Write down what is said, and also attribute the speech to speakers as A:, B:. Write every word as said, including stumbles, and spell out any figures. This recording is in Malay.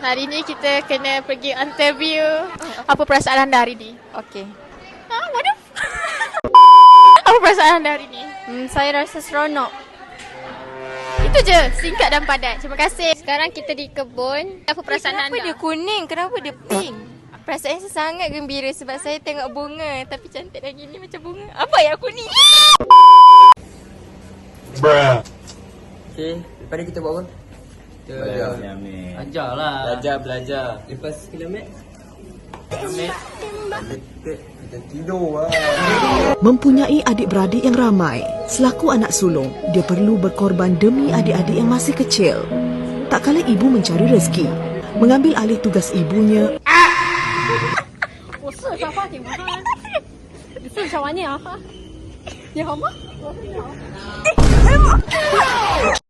A: Hari ni kita kena pergi interview. Apa perasaan anda hari ni?
B: Okey.
A: Ha, waduh. Apa perasaan anda hari ni?
B: Hmm, saya rasa seronok.
A: Itu je, singkat dan padat. Terima kasih. Sekarang kita di kebun. Apa perasaan
B: Kenapa
A: anda?
B: dia kuning? Kenapa dia pink? Perasaan saya sangat gembira sebab saya tengok bunga. Tapi cantik lagi ni macam bunga. Apa yang kuning?
C: Bruh.
D: Okay, lepas ni kita buat apa? Kita belajar.
E: Ajar lah.
D: Belajar, belajar.
E: Lepas kilomet.
D: Kita, kita tidur lah.
F: Mempunyai adik-beradik yang ramai, selaku anak sulung, dia perlu berkorban demi adik-adik yang masih kecil. Tak kala ibu mencari rezeki, mengambil alih tugas ibunya.
G: 我试一下话题吗？你试一下玩你啊？你好吗？我说你好。